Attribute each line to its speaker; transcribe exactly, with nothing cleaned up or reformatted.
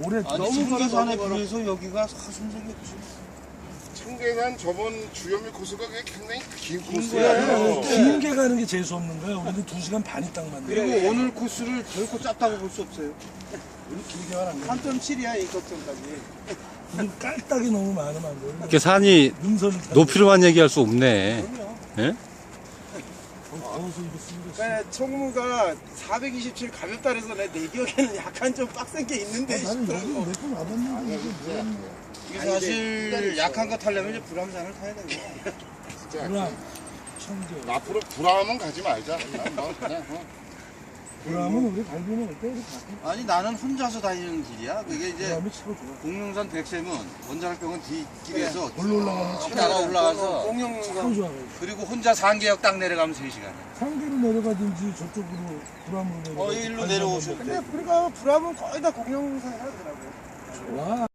Speaker 1: 올해
Speaker 2: 아니,
Speaker 1: 너무
Speaker 2: 청계산에
Speaker 1: 걸어
Speaker 2: 비해서 여기가 사순색이 없어.
Speaker 3: 청계산 저번 주요미 코스가 그게 굉장히 긴
Speaker 2: 거야.
Speaker 3: 코스예요.
Speaker 1: 긴 게 가는 게 재수 없는 거야. 우리는 두 시간 반이 딱 맞네.
Speaker 2: 그리고 오늘 코스를 결코 짧다고 볼 수 없어요.
Speaker 1: 우리 길게 가는 거야.
Speaker 4: 삼 점 칠이야 이 걱정까지.
Speaker 1: 우리 깔딱이 너무 많으면 안 돼.
Speaker 5: 이렇게 산이
Speaker 1: 능선을
Speaker 5: 높이로만 얘기할 수 없네. 예?
Speaker 1: 더워서 이거 쓰는 거
Speaker 4: 그러니까 총무가 사백이십칠 가볍다 그래서 내, 내 기억에는 약간 좀 빡센 게 있는데
Speaker 1: 나는 여기
Speaker 4: 싶더라고.
Speaker 1: 몇 번 와봤는데 이게 뭐야.
Speaker 2: 이게
Speaker 4: 아니,
Speaker 2: 사실
Speaker 4: 근데
Speaker 2: 약한 거 타려면 이제 불암산을 타야 되는 거야.
Speaker 3: 진짜.
Speaker 1: 불암, 청계.
Speaker 3: 앞으로 불암은 가지 말자. 그냥 뭐 그냥 어.
Speaker 1: 불암은 우리 갈비는 어때? 이렇게 가끔
Speaker 2: 아니 나는 혼자서 다니는 길이야. 그게 이제
Speaker 1: 불암이 치고 좋아.
Speaker 2: 공룡산 백샘은 원자력병원 뒷길에서
Speaker 1: 올라 올라가면
Speaker 2: 쭉
Speaker 1: 차
Speaker 2: 따라 올라가서
Speaker 4: 공룡
Speaker 1: 참 좋아.
Speaker 2: 그리고 혼자 상계역 딱 내려가면 세 시간이야.
Speaker 1: 상계로 내려가든지 저쪽으로 불암으로 내려가.
Speaker 2: 어, 일로 내려오셔도
Speaker 4: 근데 우리가 불암은 거의 다 공룡산이라 그러더라고.
Speaker 1: 좋아.